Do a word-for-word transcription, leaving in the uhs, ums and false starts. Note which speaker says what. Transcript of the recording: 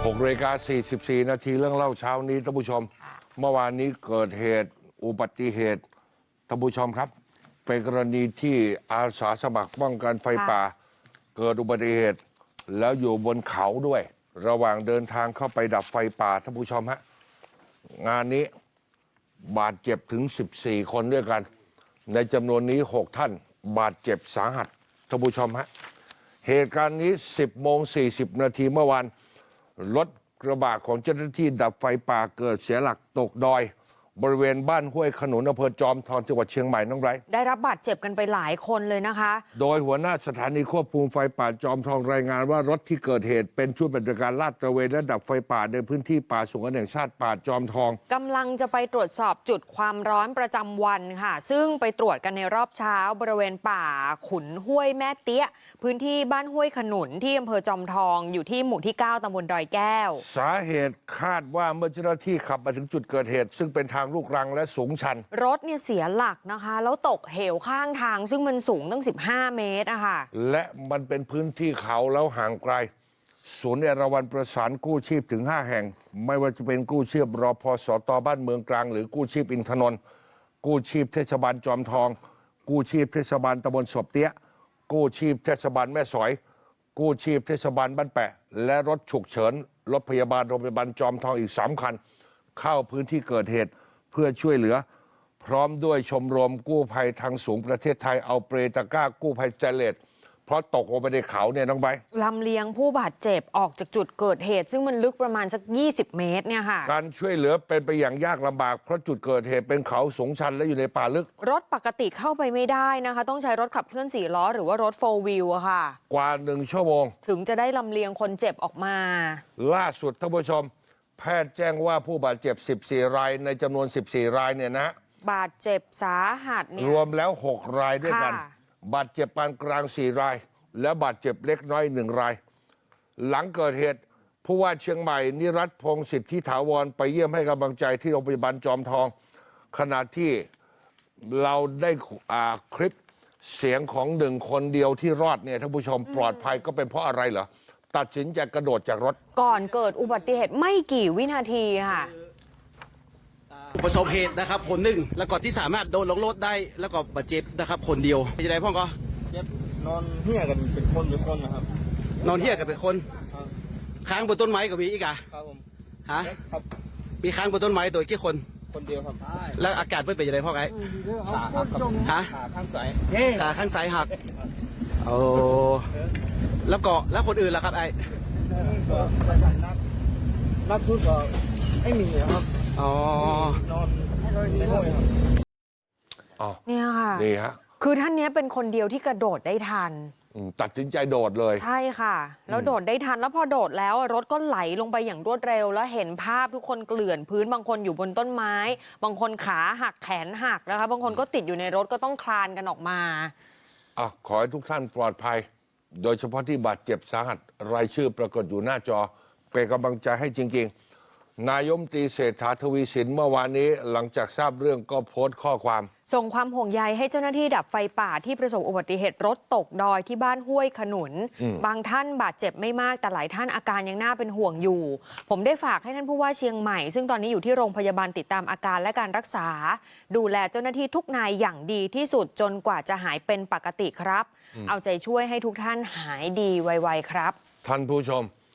Speaker 1: หกนาฬิกาสี่สิบสี่นาทีเรื่องเล่าเช้านี้ท่านผู้ชมเมื่อวานนี้เกิดเหตุอุบัติเหตุท่านผู้ชมครับเป็นกรณีที่อาสาสมัครป้องกันไฟป่าเกิดอุบัติเหตุแล้วอยู่บนเขาด้วยระหว่างเดินทางเข้าไปดับไฟป่าท่านผู้ชมฮะงานนี้บาดเจ็บถึงสิบสี่คนด้วยกันในจำนวนนี้หกท่านบาดเจ็บสาหัสท่านผู้ชมฮะเหตุการณ์นี้สิบโมงสี่สิบนาทีเมื่อวานรถกระบะของเจ้าหน้าที่ดับไฟป่าเกิดเสียหลักตกดอยบริเวณบ้านห้วยขนุนอำเภอจอมทองจังหวัดเชียงใหม่น้องไร
Speaker 2: ได้รับบาดเจ็บกันไปหลายคนเลยนะคะ
Speaker 1: โดยหัวหน้าสถานีควบคุมไฟป่าจอมทองรายงานว่ารถที่เกิดเหตุเป็นชุดปฏิบัติการลาดตระเวนและดับไฟป่าในพื้นที่ป่าสงวนแห่งชาติป่าจอมทอง
Speaker 2: กำลังจะไปตรวจสอบจุดความร้อนประจำวันค่ะซึ่งไปตรวจกันในรอบเช้าบริเวณป่าขุนห้วยแม่เตี้ยพื้นที่บ้านห้วยขนุนที่อำเภอจอมทองอยู่ที่หมู่ที่เก้าตำบลดอยแก้ว
Speaker 1: สาเหตุคาดว่าเมื่อเจ้าหน้าที่ขับมาถึงจุดเกิดเหตุซึ่งเป็นทางลูกรังและสูงชัน
Speaker 2: รถเนี่ยเสียหลักนะคะแล้วตกเหวข้างทางซึ่งมันสูงตั้งสิบห้าเมตรอะค่ะ
Speaker 1: และมันเป็นพื้นที่เขาแล้วห่างไกลศูนย์เอราวัณประสานกู้ชีพถึงห้าแห่งไม่ว่าจะเป็นกู้ชีพรพสตบ้านเมืองกลางหรือกู้ชีพอินทนนท์กู้ชีพเทศบาลจอมทองกู้ชีพเทศบาลตำบลศพเตี้ยกู้ชีพเทศบาลแม่สอยกู้ชีพเทศบาลบ้านแปะและรถฉุกเฉินรถพยาบาลโรงพยาบาลจอมทองอีกสามคันเข้าพื้นที่เกิดเหตุเพื่อช่วยเหลือพร้อมด้วยชมรมกู้ภัยทางสูงประเทศไทยเอาเปรตะกร้ากู้ภัยเจเลตเพราะตกลงไปในเขาเนี่ยน้องใบ
Speaker 2: ลำเลียงผู้บาดเจ็บออกจากจุดเกิดเหตุซึ่งมันลึกประมาณสักยี่สิบเมตรเนี่ยค่ะ
Speaker 1: การช่วยเหลือเป็นไปอย่างยากลำบากเพราะจุดเกิดเหตุเป็นเขาสูงชันและอยู่ในป่าลึก
Speaker 2: รถปกติเข้าไปไม่ได้นะคะต้องใช้รถขับเคลื่อนสี่ล้อหรือว่ารถโฟร์วิวอะค่ะ
Speaker 1: กว่าหนึ่งชั่วโมง
Speaker 2: ถึงจะได้ลำเลียงคนเจ็บออกมา
Speaker 1: ล่าสุดท่านผู้ชมแพทย์แจ้งว่าผู้บาดเจ็บสิบสี่รายในจำนวนสิบสี่รายเนี่ยนะ
Speaker 2: บาดเจ็บสาหัสเนี่ย
Speaker 1: รวมแล้วหกรายด้วยกันบาดเจ็บปานกลางสี่รายและบาดเจ็บเล็กน้อยหนึ่งรายหลังเกิดเหตุผู้ว่าเชียงใหม่นิรัตพงศ์สิทธิถาวรไปเยี่ยมให้กำลังใจที่โรงพยาบาลจอมทองขณะที่เราได้คลิปเสียงของหนึ่งคนเดียวที่รอดเนี่ยท่านผู้ชมปลอดภัยก็เป็นเพราะอะไรเหรอตัดสินใจกระโดดจากรถ
Speaker 2: ก่อนเกิดอุบัติเหตุไม่กี่วินาทีค่ะ
Speaker 3: ประสบเหตุนะครับคนหนึ่งแล้วก็ที่สามารถโดนลงรถได้แล้วก็บาดเจ็บนะครับคนเดียวเป็นยังไงพ่อก็
Speaker 4: เจ็บนอนเฮี้ยกันเป็นคนเป็นคนนะครับ
Speaker 3: นอนเฮี้ยกันเป็นคนค้างบนต้นไม้ก็มีอีกอ่ะ
Speaker 4: ครับผม
Speaker 3: ฮะครับมีค้างบนต้นไม้ตัวกี่คน
Speaker 4: คนเดียวครับ
Speaker 3: แล้วอาการเพื่อนเป็นยังไงพ่อไง
Speaker 4: ขาหัก
Speaker 3: ฮะ
Speaker 4: ขาข้างซ้าย
Speaker 3: ขาข้างซ้ายหักโอ้แล้วก็แล้วคนอื่นล่ะครับไอ้
Speaker 4: นักนักสุดก็ไม่มีครับ
Speaker 3: อ๋อน
Speaker 4: อนในห้องครับ
Speaker 1: อ๋อ
Speaker 2: เนี่ยค่ะ
Speaker 1: นี่ฮะ
Speaker 2: คือท่านนี้เป็นคนเดียวที่กระโดดได้ทัน
Speaker 1: ตัดสินใจโดดเลย
Speaker 2: ใช่ค่ะแล้วโดดได้ทันแล้วพอโดดแล้วรถก็ไหลลงไปอย่างรวดเร็วแล้วเห็นภาพทุกคนเกลื่อนพื้นบางคนอยู่บนต้นไม้บางคนขาหักแขนหักนะคะบางคนก็ติดอยู่ในรถก็ต้องคลานกันออกมา
Speaker 1: อ่ะขอให้ทุกท่านปลอดภัยโดยเฉพาะที่บาดเจ็บสาหัสรายชื่อปรากฏอยู่หน้าจอเป็นกำลังใจให้จริงๆนายมนตรีเศรษฐาทวีสินเมื่อวานนี้หลังจากทราบเรื่องก็โพสต์ข้อความ
Speaker 2: ส่งความห่วงใยให้เจ้าหน้าที่ดับไฟป่าที่ประสบอุบัติเหตุรถตกดอยที่บ้านห้วยขนุนบางท่านบาดเจ็บไม่มากแต่หลายท่านอาการยังน่าเป็นห่วงอยู่ผมได้ฝากให้ท่านผู้ว่าเชียงใหม่ซึ่งตอนนี้อยู่ที่โรงพยาบาลติดตามอาการและการรักษาดูแลเจ้าหน้าที่ทุกนายอย่างดีที่สุดจนกว่าจะหายเป็นปกติครับเอาใจช่วยให้ทุกท่านหายดีไวๆครับ
Speaker 1: ท่านผู้ชม